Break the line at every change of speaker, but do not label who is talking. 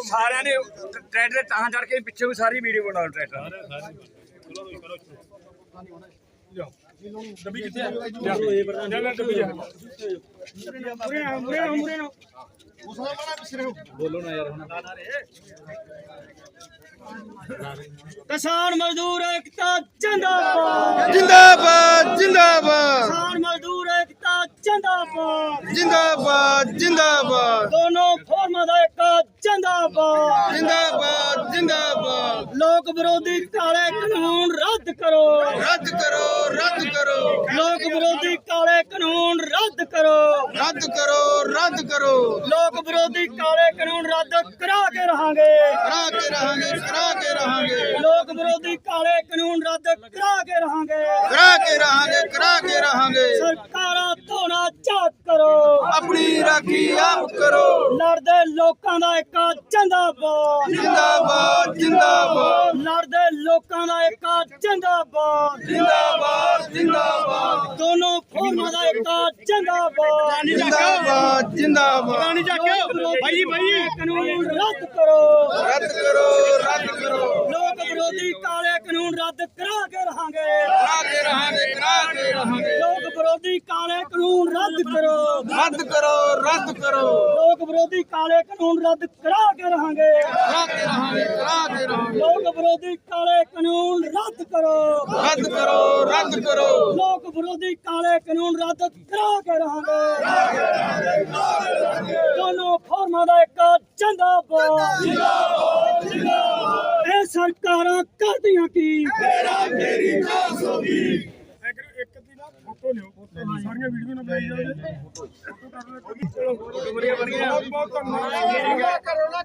ਸਾਰਿਆਂ ਨੇ ਟਰੈਕਟਰ ਤਾਂ ਚੜ ਕੇ ਪਿੱਛੇ ਵੀ ਸਾਰੀ ਵੀਡੀਓ ਬਣਾਓ ਟਰੈਕਟਰ ਡੱਬੀ ਕਿੱਥੇ ਆ ਚੱਲ ਡੱਬੀ ਜਾ ਮੂਰੇ ਨਾ ਉਸਦਾ ਬੜਾ ਪਿਛਰੇ ਬੋਲੋ ਨਾ ਯਾਰ ਹੁਣ किसान मजदूर एकता जिंदाबाद
जिंदाबाद जिंदाबाद
किसान मजदूर एकता जिंदाबाद
जिंदाबाद जिंदाबाद
दोनों फॉर्म का एक जिंदाबाद
जिंदाबाद जिंदाबाद
लोक विरोधी काले कानून रद्द करो
रद्द करो रद्द करो
लोक विरोधी काले कानून रद्द करो
रद्द करो रद्द करो
लोक विरोधी काले कानून रद्द करा के रहांगे
करा के रहांगे
लोक विरोधी काले कानून रद्द करा के रहांगे
करा के रहांगे
सरकारा धोना झाक करो
अपनी राखी आप करो
लड़दे लोकां दा एक जिंदाबाद
जिंदाबाद जिंदाबाद
लड़दे लोकां दा एक जिंदाबाद
जिंदाबाद जिंदाबाद
दोनों फॉर्मां दा एक जिंदाबाद
जिंदाबाद जिंदाबाद
भाई भाई कानून रद्द करो
रद्द करो रद्द करो
लोक विरोधी काले कानून रद्द करा के रहांगे
करा के रहांगे
लोक विरोधी काले कानून रद्द करो
रद्द करो रद्द करो
लोक विरोधी काले कानून रद्द करा के रहांगे
करा के रहांगे
लोक विरोधी काले कानून रद्द करो
रद्द करो रद्द करो
लोक विरोधी काले कानून रद्द करा के रहांगे दोनों फॉर्मां दा एक जिंदाबाद ਇਹ ਸਰਕਾਰਾਂ ਕਰਦੀਆਂ ਕੀ
ਮੇਰੀ ਜਾਸ ਹੋਗੀ
ਇੱਕ ਦੀ ਨਾ ਫੋਟੋ ਲਿਓ ਸਾਰੀਆਂ ਵੀਡੀਓ ਨਾ ਬਣਾਈ ਜਾਂਦੇ ਫੋਟੋ ਕਰ ਲਓ ਚਲੋ ਬਹੁਤ ਬਹੁਤ ਧੰਨਵਾਦ